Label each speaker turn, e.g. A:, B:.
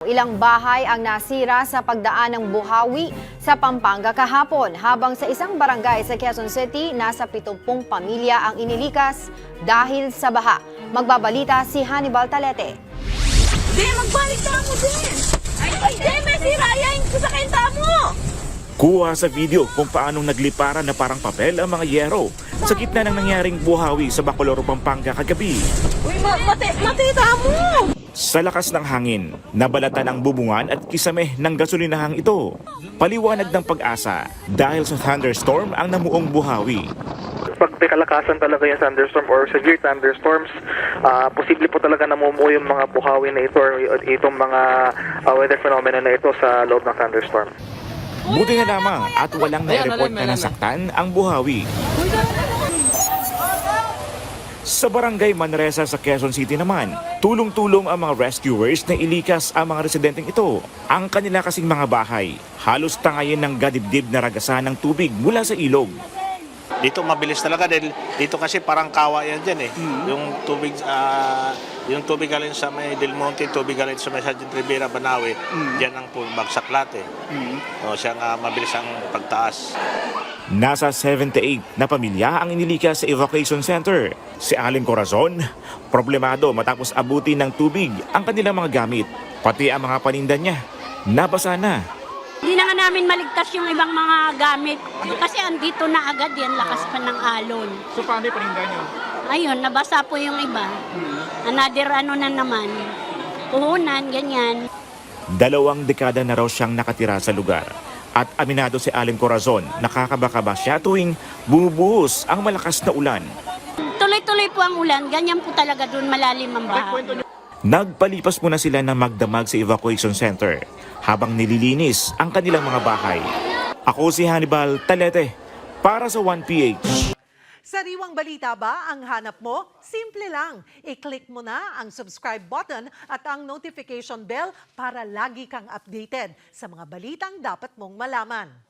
A: Ilang bahay ang nasira sa pagdaan ng buhawi sa Pampanga kahapon, habang sa isang barangay sa Quezon City, nasa 70 pamilya ang inilikas dahil sa baha. Magbabalita si Hannibal Talete.
B: Di, magbalik ka mo din! Ay, di, may sirayan ko sa kenta mo!
C: Kuha sa video kung paanong nagliparan na parang papel ang mga yero sa gitna ng nangyaring buhawi sa Bacolor, Pampanga kagabi.
B: Uy, matita mo!
C: Sa lakas ng hangin, nabalatan ang bubungan at kisame ng gasolinahang ito. Paliwanag ng Pag-asa dahil sa thunderstorm ang namuong buhawi.
D: Pag may kalakasan talaga yung thunderstorm or severe thunderstorms, posible po talaga namumuo yung mga buhawi na ito or itong mga weather phenomena na ito sa loob ng thunderstorm.
C: Buti na lamang at walang na-report na nasaktan ang buhawi. Sa barangay Manresa sa Quezon City naman, tulong-tulong ang mga rescuers na ilikas ang mga residenteng ito. Ang kanila kasing mga bahay, halos tangayin ng gadibdib na ragasan ng tubig mula sa ilog.
E: Dito mabilis talaga dahil dito kasi parang kawa yan dyan eh. Yung tubig galing sa may Del Monte, tubig galing sa may Sargent Rivera, Banawe, yan ang bagsak lahat eh. O, siya nga mabilis ang pagtaas.
C: Nasa 78 na pamilya ang inilikas sa evacuation center. Si Aling Corazon, problemado matapos abutin ng tubig ang kanilang mga gamit, pati ang mga paninda niya. Nabasa na.
F: Hindi na nga namin maligtas yung ibang mga gamit kasi andito na agad yan, lakas pa ng alon.
G: So paano yung paninda nyo?
F: Ayun, nabasa po yung iba. Another ano na naman, puhunan, ganyan.
C: 2 dekada na raw siyang nakatira sa lugar. At aminado si Aling Corazon, nakakabakaba siya tuwing bumubuhos ang malakas na ulan.
F: Tuloy-tuloy po ang ulan, ganyan po talaga doon malalim ang baha.
C: Nagpalipas muna sila ng magdamag sa evacuation center habang nililinis ang kanilang mga bahay. Ako si Hannibal Talete para sa 1PH.
H: Sariwang balita ba ang hanap mo? Simple lang. I-click mo na ang subscribe button at ang notification bell para lagi kang updated sa mga balitang dapat mong malaman.